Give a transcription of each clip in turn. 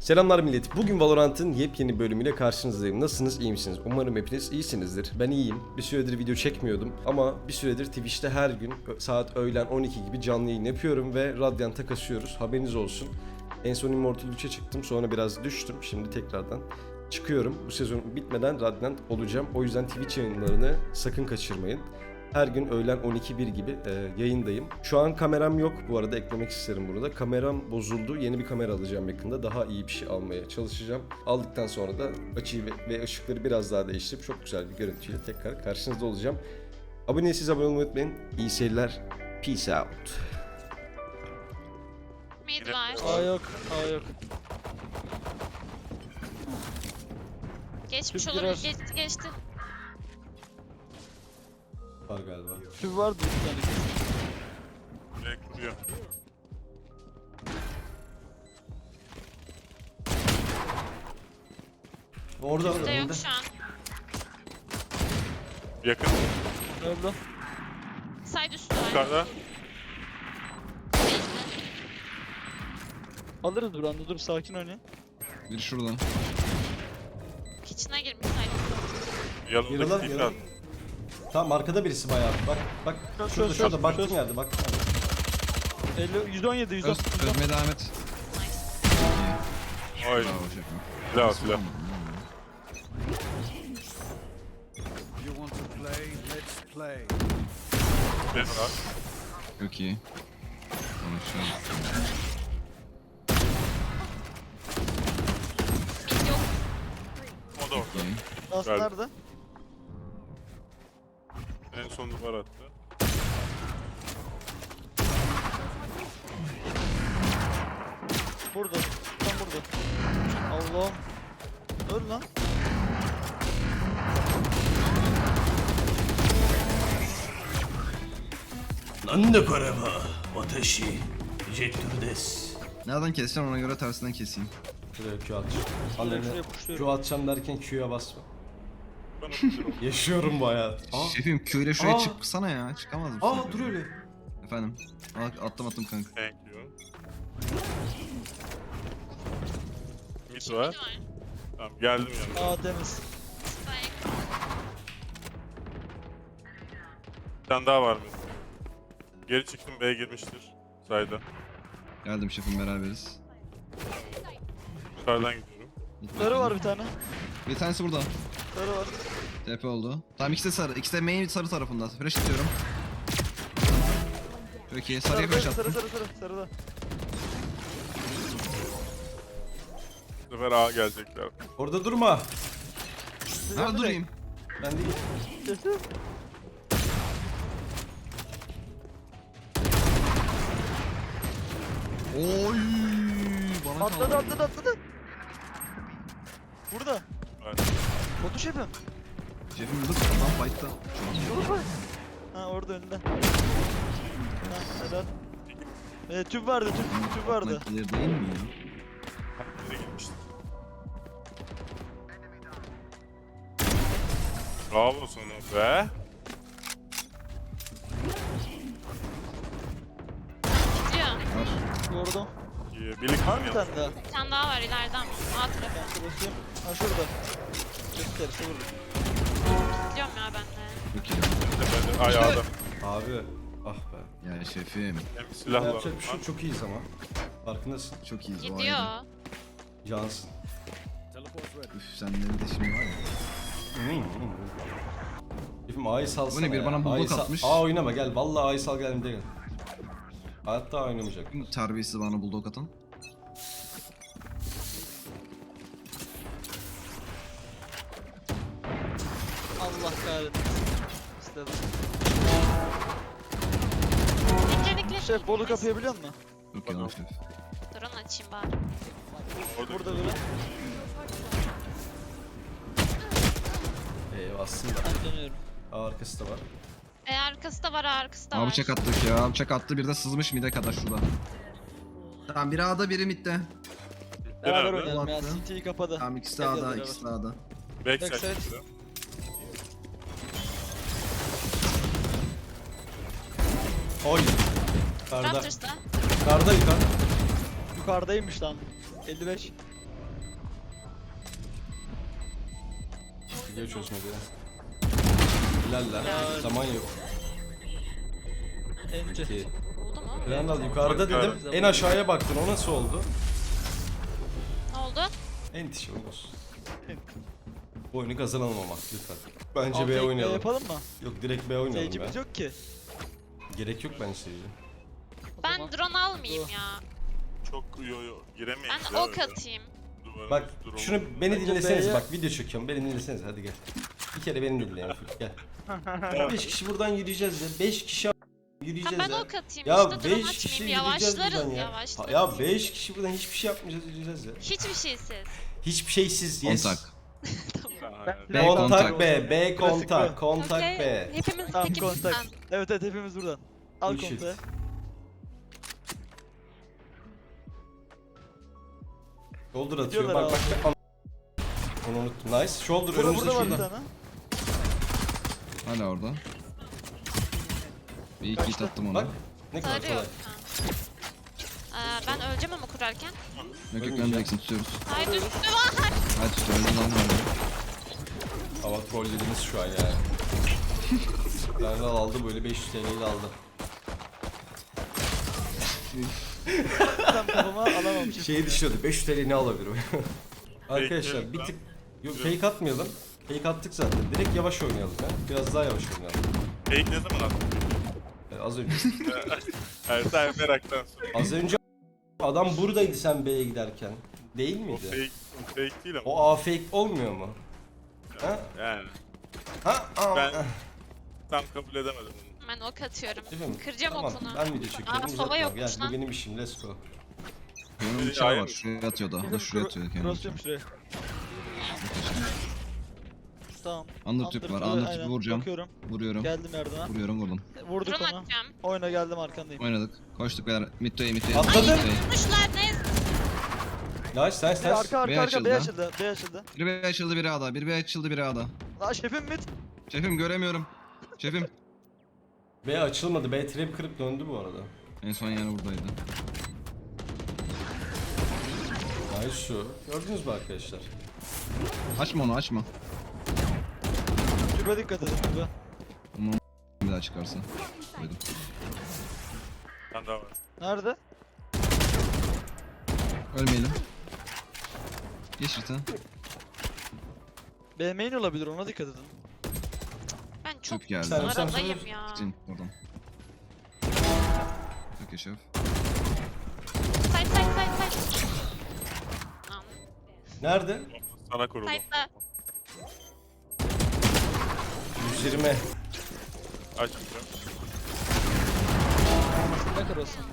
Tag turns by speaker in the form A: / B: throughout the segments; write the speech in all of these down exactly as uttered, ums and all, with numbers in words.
A: Selamlar millet. Bugün Valorant'ın yepyeni bölümüyle karşınızdayım. Nasılsınız? İyi misiniz? Umarım hepiniz iyisinizdir. Ben iyiyim. Bir süredir video çekmiyordum ama bir süredir Twitch'te her gün saat öğlen on iki gibi canlı yayın yapıyorum ve Radiant'a kasıyoruz. Haberiniz olsun. En son Immortal üçe çıktım. Sonra biraz düştüm. Şimdi tekrardan çıkıyorum. Bu sezon bitmeden Radiant olacağım. O yüzden Twitch yayınlarını sakın kaçırmayın. Her gün öğlen on iki bir gibi e, yayındayım. Şu an kameram yok, bu arada eklemek isterim burada. Kameram bozuldu, yeni bir kamera alacağım yakında. Daha iyi bir şey almaya çalışacağım. Aldıktan sonra da açıyı ve, ve ışıkları biraz daha değiştirip çok güzel bir görüntüyle tekrar karşınızda olacağım. Abone değilseniz abone olmayı unutmayın. İyi seyirler. Peace out.
B: Mid var.
C: A yok, A yok.
B: Geçmiş
C: Tüp
B: olabilir.
C: biraz-
B: Geçti geçti.
A: Var galiba.
C: Tüp vardı bir tane.
D: Direkt vuruyor.
A: Orada
B: Bizde yok şu an.
D: Yakın.
C: Öldü.
B: Side üstü var.
D: Yukarıda.
C: Alırız buranda, dur sakin oynayın.
E: Bir şuradan.
B: Kitchen'a girmiş side.
D: Yanındaki
A: Yaralan,
D: tekrar.
A: yaralan. Tamam, arkada birisi bayağı. Bak bak
C: Şurada,
A: şurada
C: şurada,
A: şurada
C: şurada.
A: baktığın yerde bak.
C: elli, yüz on yedi, yüz on.
E: Öz, özmeye devam et.
D: Ay.
E: Bravo şefim.
D: Silah silah.
F: You want to play? Let's play.
D: Ben var.
E: Çok iyi. Konuşalım.
B: Mid yok.
D: O da orada.
E: İyi.
C: Last
D: Geldi.
C: nerede?
D: En son duvar attı.
C: Burada. Tam burada. Allah'ım. Öl lan.
G: Nande karema, watashi, jettur desu.
E: Nereden keseceğim ona göre tersinden keseyim.
A: Şuraya Q at.
C: Şuraya,
A: Annene
C: şuraya puşluyorum.
A: Q atacağım derken Q'ya basma.
D: Ben atıyorum.
A: Yaşıyorum bu hayatı. Aa,
E: Şefim Q ile şuraya
A: Aa.
E: çıksana ya. Çıkamaz mısın?
A: aa dur öyle.
E: Efendim. Bak attım attım kanka.
D: Thank you. Mid
B: Mid
D: var.
B: var.
D: Tamam geldim yanına.
C: Aa temiz.
B: Spike.
D: Bir tane daha var mı? Geri çıktım, B'ye girmiştir. Sayda.
E: Geldim şefim beraberiz.
D: Yukarıdan gidiyorum.
C: Sarı var bir tane.
E: Bir tanesi burada.
C: Sarı var.
E: T P oldu. Tamam ikisi de sarı. İkisi de main sarı tarafında. Flash atıyorum. Çok iyi. Sarıya
C: Sarı,
E: flash
C: sarı,
E: attım.
C: sarı, sarı, sarıda.
D: Bu sefer A gelecekler.
A: Orada durma.
E: Nerede durayım?
A: Ben değil.
C: Kesin.
E: Oy! Bana
C: Atladı,
E: kaldı.
C: atladı, atladı. Burada.
D: Evet.
C: Botu şefim.
E: Şefim burada adam fight'ta.
C: Şurada bak. Ha orada önünde. Ha helal. Ee, tüp vardı, tüp, tüp vardı.
E: Nakliyer değil mi ya?
D: Nereye gitmiştim? Bravo sana be.
B: Gidiyor.
E: Var.
C: Vurdum.
D: İyi. Birlik
C: Var mı bir
D: ya.
C: tane daha?
B: Bir tane daha var ileriden. A tarafı.
C: Ben basayım. Ha şurada. Gösterisi vurdum.
B: Gidiyorum ya ben de.
E: Çok iyi.
D: Ben de ayağda.
A: Abi. Ah be.
E: Ya şefim.
D: Hem silah var.
A: Yapacak bir şey yok, çok iyiyiz ama. Farkındasın.
E: Çok iyiyiz bu
B: Gidiyor.
E: arada.
A: Cansın.
E: Üf senden de şimdi var ya.
A: Şefim A'yı salsana
E: Bu ne, bir
A: ya.
E: bana bulldog
A: A'yı sal-
E: atmış.
A: A oynama gel. Vallahi A'yı sal gel, gel. Hayatta A oynamayacak.
E: Kim terbiyesiz bana bulldog atan?
C: Allah kahretsin. İstedim.
B: Dikle dikle.
C: Şef bolu kapıyı biliyor musun?
E: Yok ya şef.
B: Drone açayım bari.
D: Orada
C: Burada biri.
A: Ee, aslında.
C: Ben dönüyorum.
A: A arkası da var.
B: E arkası da var, arkası da
E: Abi
B: var.
E: bıçak attık ya. Bıçak attı bir de sızmış mide kadar şurada. Tamam biri A'da biri midde.
C: Beraber
D: Nerede?
C: oynayalım ya.
E: Attı.
C: C T'yi kapadı.
E: Tamam ikisi de
C: Gel,
E: A'da
C: gel
E: ikisi de A'da.
D: backside
C: Backside.
D: çıktı.
A: Oy. Karda.
B: Raptors'ta.
A: Karda yukarı.
C: Yukarıdaymış lan. elli beş.
A: Geç çözmedi ya. Hilaller. Zaman yok.
C: Ence.
A: İki.
B: Oldu mu?
A: Randall yukarıda dedim. En aşağıya baktın. O nasıl oldu?
B: Ne oldu?
A: Entiş olsun. Bu oyunu kazanalım ama lütfen. Bence
C: Altı
A: B
C: ekmeği
A: oynayalım.
C: yapalım mı?
A: Yok direkt B oynayalım
C: Seyircimiz
A: be.
C: yok ki.
A: Gerek yok bence seyirci.
C: O
B: Ben
C: zaman-
B: drone almayayım ya.
D: Çok yo yo giremeyiz
B: Ben
D: ya
B: ok
D: öyle.
B: atayım.
D: Duvarımız
A: Bak
D: drone.
A: şunu beni
C: Bence
A: dinleseniz
C: B'ye-
A: bak video çekiyorum beni dinleseniz hadi gel. Bir kere beni dinleyin gel. beş kişi buradan yürüyeceğiz ya. beş kişi a-
B: Ha,
A: yürüyeceğiz
B: ben
A: ya.
B: ok atayım
A: Ya
B: işte drone
A: beş kişi
B: açmayayım.
A: yürüyeceğiz
B: Yavaşlarız
A: buradan ya.
B: yavaşlarız.
A: Ha, ya beş kişi buradan hiçbir şey yapmayacağız yürüyeceğiz ya.
B: Hiçbir şeysiz.
A: Hiçbir şeysiz yes.
E: Kontak.
D: Ha,
E: B
A: Kontak
E: kontak.
A: B, B
C: Klasik
A: kontak,
C: bu.
A: kontak
B: Okey.
A: B.
B: Hepimiz
C: Tamam
B: peki
C: kontak.
B: bizden.
C: Evet evet hepimiz buradan. Al
A: Bullshit.
C: kontağı.
A: Shoulder atıyor
C: Gidiyorlar
A: bak bak. bak. Onu unuttum. Nice. Shoulder
C: Burada
A: önümüzde
C: burada var bir
A: şurada.
C: tane.
E: Hala orada. Bir iki hit attım ona.
A: Bak. Ne kadar
B: Sarı
A: kolay.
B: yok. Ha. Ee, ben öleceğim ama kurarken.
E: Yok yok ölmeyeceksin tutuyoruz.
B: Hayır üstü var.
E: Hadi tutuyoruz lan hadi.
A: Hava trollediniz şu an yani. Randall aldı böyle beş yüz T L'yi de aldı.
C: Tam kafama alamamışım.
A: Şeyi düşünüyordu beş yüz T L'yi ne alabilirim? Arkadaşlar
D: Fake
A: bir
D: mi?
A: tık yok fake atmayalım. Fake attık zaten. Direkt yavaş oynayalım ya. Biraz daha yavaş oynayalım.
D: Fake ne zaman attın?
A: Yani az önce
D: Hayır sen meraktan sonra.
A: az önce adam buradaydı sen B'ye giderken. Değil
D: O
A: miydi?
D: fake, o fake değil ama.
A: O A fake olmuyor mu? Ha?
D: Yani
A: Ha? Aa,
D: Ben-
A: ah.
D: tam kabul edemedim bunu.
B: Ben ok atıyorum.
A: Değil mi?
B: Kıracağım
A: Tamam,
B: okunu.
A: ben video çekiyorum.
B: Aa, sova
A: uzatma.
B: yokmuş
A: Gel,
B: lan.
A: bu benim işim. Let's go.
E: Benim
D: Biri
E: bıçağı
D: A'ya
E: var.
D: mı?
E: Şuraya atıyor da. O da şuraya atıyor kendini.
C: Cross'luyorum şuraya. Tamam.
E: Under tüp var.
C: Under
E: Under
C: aynen.
E: tüp vuracağım.
C: Bakıyorum.
E: Vuruyorum.
C: Geldim yardıma.
E: Vuruyorum vurdum.
C: Vurduk
B: Drone
C: onu.
B: atacağım.
C: Oyna geldim arkandayım.
E: Oynadık. Koştuk beyler. Midway midway.
A: Atladım.
E: midway.
B: Tutmuşlar ne?
A: Nice, nice,
C: Bir
A: nice.
C: arka
E: B
C: arka arka B
E: açıldı.
C: açıldı. B açıldı.
E: Biri B açıldı biri A'da. Biri B açıldı biri A'da.
C: Lan şefim mid.
E: Şefim göremiyorum. Şefim.
A: B açılmadı. B trap kırıp döndü bu arada.
E: En son yani buradaydı.
A: Nice şu. Gördünüz mü arkadaşlar?
E: Açma onu açma.
C: Tübe dikkat edin tübe.
E: Bir daha çıkarsa. Koydum.
D: Ben daha var.
C: Nerede?
E: Ölmeyelim. Geç Rita.
C: B main olabilir ona dikkat edin.
B: Ben çok
E: Tüp geldi.
A: Sen- sen-
B: aradayım
A: sen-
B: ya.
E: Gidin oradan. Çok yaşa.
B: Side side side side. Am,
A: Nerede?
D: Sana kurulu.
B: Side'da.
A: yüz yirmi.
D: Açmayacağım.
C: Ne kadar olsun?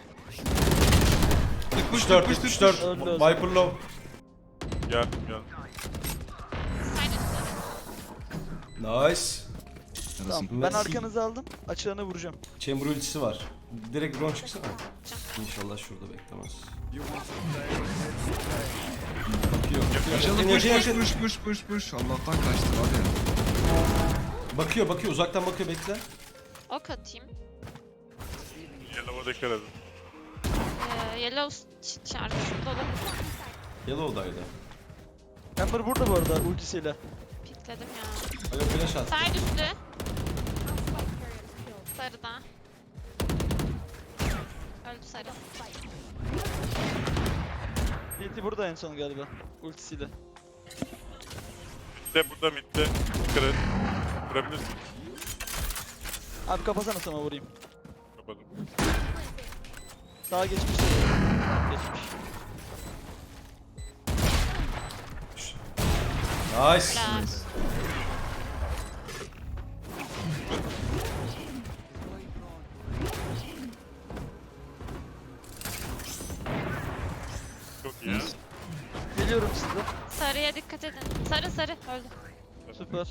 A: yetmiş dört, yetmiş dört.
C: Öldü, öldü.
A: Viper low.
D: Geldim geldim.
B: Side üstü.
A: Nice.
C: Tamam.
E: Arasın.
C: Ben arkanızı aldım. Açığını vuracağım.
A: Chamber ultisi var. Direkt drone çıksana. İnşallah şurada beklemez. Bakıyor.
E: Açıldı
A: Bakıyor.
E: push
A: Yakın,
E: push
A: yakın.
E: push push push push. Allah'tan kaçtı hadi.
A: Bakıyor, bakıyor. Uzaktan bakıyor. Bekle.
B: Ok atayım.
D: Yellow'a dikkat edin.
B: Ee, yellow ç- çarpısında olabilir.
A: Yellow'daydı.
C: Ember burada bu arada ultisiyle.
B: Pikledim ya.
A: Alo flash at.
B: Side üstü. Sarıda. Öldü sarı.
C: D T burada en son galiba. Ultisiyle.
D: De burada midde. Kırın. Kırabilirsin.
C: Abi kapasana sana vurayım.
D: Kapadım.
C: Sağa geçmiş. Geçmiş.
A: Nice.
B: Helal.
D: Çok iyi ya.
E: Nice.
C: Geliyorum size.
B: Sarıya dikkat edin. Sarı sarı öldü.
C: Süper.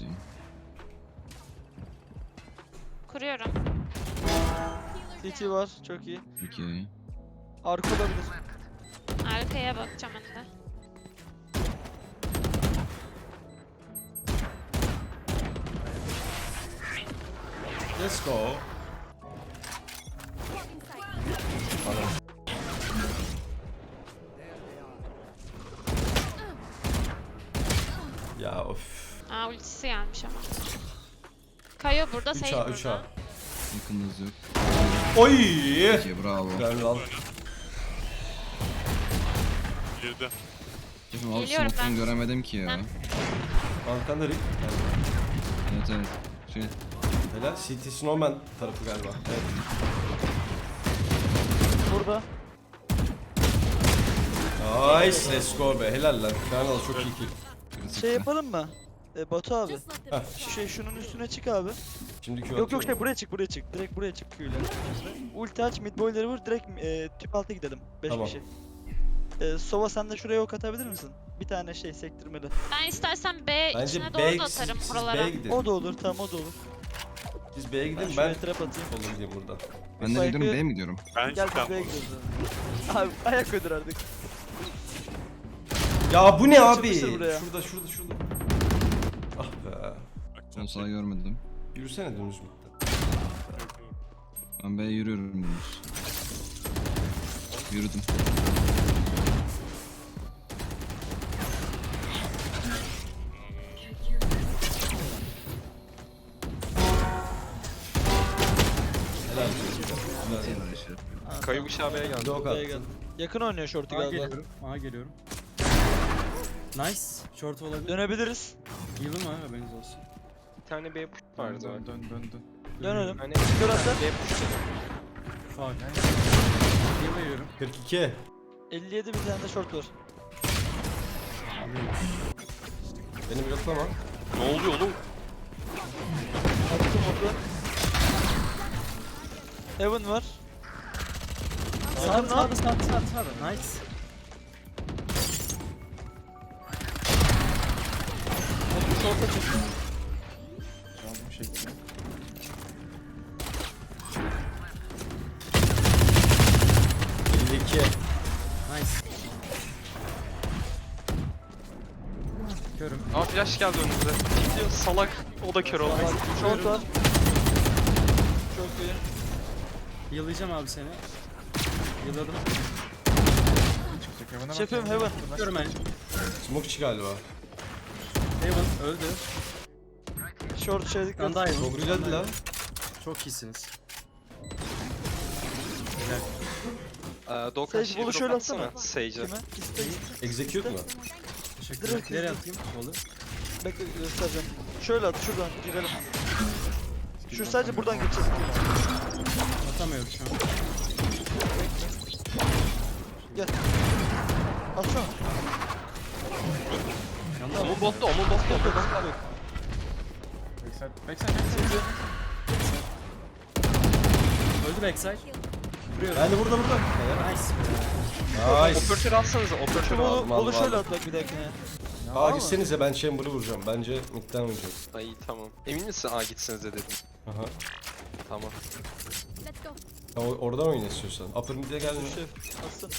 B: Kuruyorum.
C: C T var. Çok iyi.
E: Okey.
C: Arka olabilir.
B: Arkaya bakacağım ben de.
A: Let's go. Ya of.
B: Aa ultisi gelmiş ama. Kayo burada,
A: üç
B: Sage
A: A üç A.
B: burada.
E: Yakınınız yok.
A: Oy!
E: Peki bravo.
A: Ben al.
D: Girdi.
E: Şefim abi
B: Geliyorum
E: smoke'tan
B: ben.
E: göremedim ki ya.
B: Ben-
A: Arkanda Rick.
E: Evet evet. Şey,
A: Helal. C T Snowman tarafı galiba. Evet.
C: Burada.
A: Nice. Let's go be. Helal lan. Kanal çok iyi kill.
E: kritik
C: Şey
E: de.
C: yapalım mı? E, Batu abi.
A: Heh.
C: Şu şey şunun üstüne çık abi.
A: Şimdi Q
C: Yok yok
A: atıyorum.
C: şey buraya çık buraya çık. Direkt buraya çık Q'yla. Şimdi ulti aç mid boyları vur direkt e, tüp altı gidelim. beş
A: Tamam.
C: kişi. E, Sova sen de şuraya ok atabilir misin? Bir tane şey sektirmeli.
B: Ben istersen B
A: Bence
B: içine
A: B'ye
B: doğru da
A: siz,
B: atarım
A: siz
B: buralara.
A: B'ye gidin.
C: O da olur tamam o da olur.
A: Biz B'ye
C: Ben
A: gidin ben
C: şuraya trap atayım.
A: solum gideyim buradan.
E: Ben de
C: Spike'ı-
E: gidiyorum B mi diyorum?
D: Ben
C: Gel
D: çıkam.
C: biz B'ye gidiyoruz abi. Abi ayak ödür artık.
A: Ya bu ne abi?
C: Açılmıştır buraya.
A: Şurada şurada şurada. Ah be.
E: Son sağa görmedim.
A: Yürüsene dönüz mü?
E: Ben B'ye yürüyorum dümdüz. Yürüdüm.
A: Helal olsun.
E: Helal işte.
H: Kayı bıçağı B'ye geldi.
A: Bir de ok
C: B'ye
A: attın.
C: gel. Yakın oynuyor short'u
I: Aha
C: galiba.
I: geliyorum. Aha geliyorum. Nice. Short olabilir.
C: Dönebiliriz.
I: Yılım var haberiniz olsun.
H: Bir tane B push vardı.
I: Dön dön dön dön.
C: Dönelim.
H: Hani
C: Kör atla.
H: B push dedim.
I: Fuck. Yıl veriyorum.
A: kırk iki.
C: elli yedi bir tane de short var.
A: Beni bloklama.
H: Ne oluyor oğlum?
C: Attım oku. Heaven var.
I: Sağ
C: Yakın
I: sağ
C: lan.
I: sağ sağ sağ. Nice.
C: Oku short'a çık.
I: Aldım şekli.
A: elli iki.
I: Nice. Körüm.
H: Aa flash geldi önümüze. Gidiyor salak. O da kör oldu.
C: Short var. Çok iyi.
I: Yıllayacağım abi seni. Yılladım.
C: Şefim Heaven.
I: Körüm ben.
A: Smokeçi galiba.
I: Heaven öldü.
C: Short şey dikkat.
I: Ben daha Heaven.
A: Çok güzeldi lan.
I: Çok iyisiniz.
H: Ee, Doğukan
C: Sage,
H: şey
C: bunu şöyle
H: drop atsana.
C: atsana.
H: Sage'e.
C: Kime? İste.
A: Execute mu?
I: Teşekkür
C: Direkt
I: ederim. Nereye
C: yıldız.
I: atayım? Olur.
C: Bekle göstereceğim. Şöyle at şuradan girelim. Şu sadece buradan geçeceğiz.
I: Atamıyorum şu an.
C: Gel. Atsana.
H: Omun botta, omun botta. Omun botta.
I: Öldü backside.
A: Ben de burada burada.
I: Nice.
A: Nice.
H: Operatör alsanıza, operatör
C: Şunu
H: al.
A: aldım,
C: bolu, bolu
A: aldım,
C: şöyle
A: aldım.
C: at bak bir dahakine.
A: Aa gitsenize ben Chamber'ı vuracağım. Bence midden oynayacağız.
H: Ay tamam. Emin misin? Aa gitsinize dedim.
A: Aha.
H: Tamam.
A: Ya, o- oradan oyna istiyorsan. Upper mid'e gelme.
C: Şef atsana.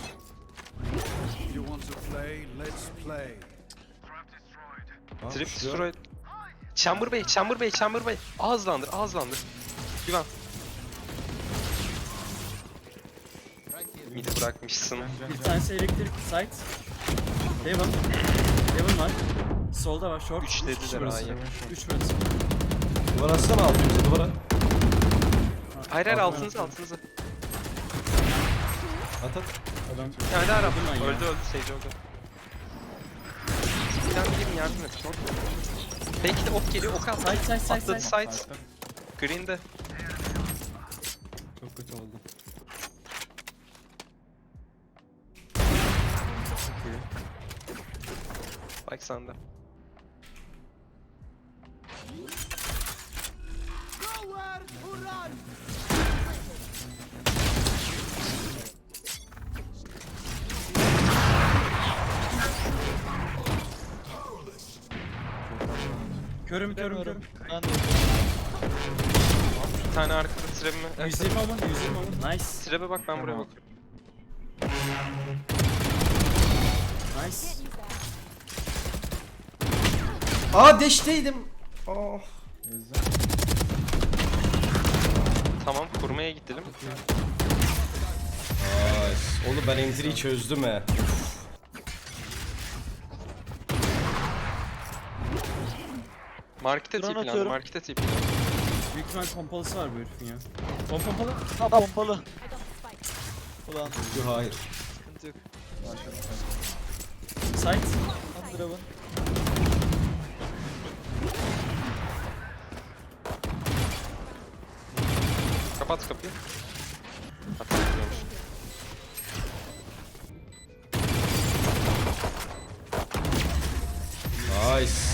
F: You want to play? Let's play.
A: Ha,
H: Trip
A: şuraya-
H: destroyed. Chamber Bey, Chamber Bey, Chamber Bey. Ağızlandır, ağızlandır. Güven. Midi bırakmışsın.
I: Bir tanesi elektrik site. Heaven. Heaven var. Solda var short.
H: Üç
I: Üç
H: dediler,
I: kişi burası.
H: aynen.
I: Üç burası.
A: Duvar atsana altımıza duvara.
H: Hayır hayır
I: Altına
H: altınıza
I: yaptım.
H: altınıza.
A: At at.
I: Adam.
H: Bir tane daha Arap.
I: Öldü lan ya.
H: Öldü öldü Sage öldü. Bir tane gelin yardım et. Short. Belki de ok geliyor ok at.
I: Side side side
H: Atladı
I: side.
H: side. Green'de.
I: Çok kötü oldu. Çok iyi.
H: Bak sende.
I: Körüm körüm körüm.
C: Ben de.
H: Bir tane arkada trebime. Evet,
I: yüz yirmi alın, yüz yirmi alın. Nice.
H: trebe bak ben buraya
I: Tamam.
H: bakıyorum.
I: Nice.
A: Aa deşteydim. Aa.
H: Tamam kurmaya gidelim.
A: Nice. Oğlum ben entry'yi çözdüm he.
H: Markete
C: Drone
H: tipilendi,
C: atıyorum.
H: markete tipilendi.
I: Büyük ihtimal pompalısı var bu herifin ya. Pom pompalı.
C: Ha pompalı. Ulan
A: Yok, hayır.
C: sıkıntı yok.
I: Site.
C: Underhaven.
H: Kapat kapıyı. Hatta gidiyormuş.
A: Nice.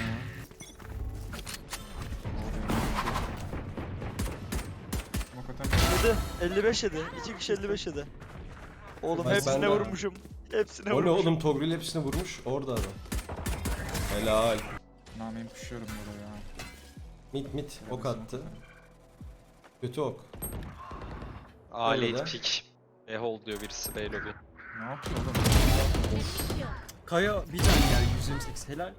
C: Yedi. elli beş yedi. İki kişi elli beş yedi. Oğlum
A: Bak
C: hepsine
A: ben de-
C: vurmuşum. Hepsine
A: O ne
C: vurmuşum.
A: oğlum, Togril hepsini vurmuş. Orada adam. Helal.
F: Name'yi puşuyorum burada ya.
A: Mit mit ok attı. Kötü ok.
H: Aa
A: Öyle.
H: late pick. E hold diyor birisi B lobby.
F: Ne yapıyor oğlum?
I: Kaya bir can yani yüz yirmi sekiz. Helal.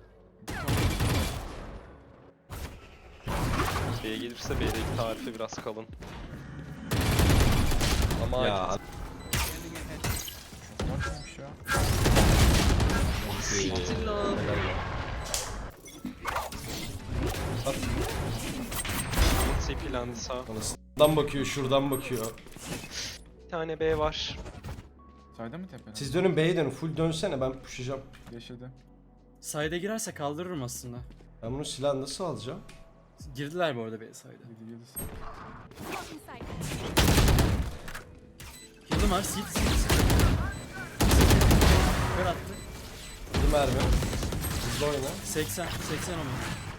H: B'ye gelirse B'deki tarifi biraz kalın. Ama
A: Ya.
H: ya.
F: Bakmamış ya.
H: Siktir lan.
A: At.
H: Tipilendi sağ.
A: Bana s**dan bakıyor, şuradan bakıyor.
H: Bir tane B var.
F: Sayda mı tepeden?
A: Siz dönün B'ye dönün. Full dönsene, ben pushlayacağım.
F: Yeşilde.
I: Side'e girerse kaldırırım aslında.
A: Ben bunu silahı nasıl alacağım?
I: Girdiler bu arada B side'e.
F: Yedi yedi.
I: Heal'ım var. Seed seed. Kör attı.
A: Bir mermi. Hızlı oyna.
I: seksen. seksen onu.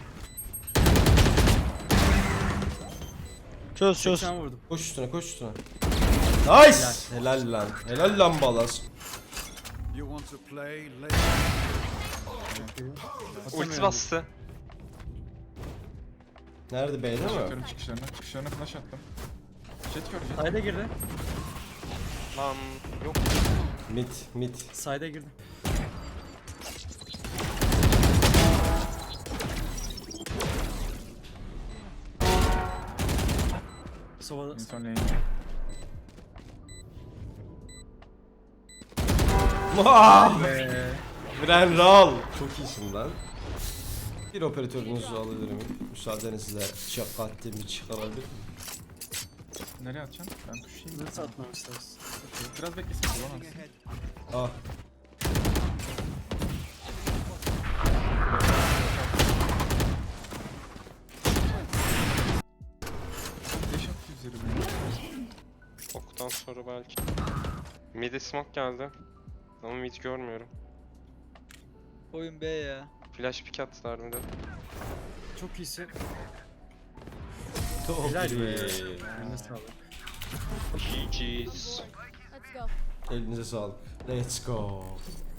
C: Çöz çöz.
I: seksen vurdum.
A: Koş üstüne, koş üstüne. Nice! Helal lan. Helal lan Balas.
F: You want to play? Let's
H: Ulti bastı.
A: Nerede, B'de mi?
F: atıyorum çıkışlarına. Çıkışlarına flash attım. Jet gör jet.
I: Side'e girdi.
H: Lan yok.
A: Mid, mid.
I: Side'e girdi. Sova'da.
F: En son lane.
A: Vaaah!
I: Eee.
A: Bren Ral. Çok iyisin lan. Bir operatörünüzü alabilir miyim? Müsaadenizle şakattimi çıkarabilir.
F: Nereye atacaksın? Ben pushayım.
I: Nasıl atmamız lazım?
F: Biraz beklesin. Ulan atsın.
A: Ah.
F: Deş attı üzerime.
H: Oktan sonra belki. Mid'e smoke geldi. Ama mid görmüyorum.
C: Oyun B ya.
H: Flash pick attılar mid'e.
I: Çok iyisin.
A: Çok
I: Helal be.
A: iyi.
I: Eline sağlık.
H: G G's.
A: Elinize sağlık. Let's go.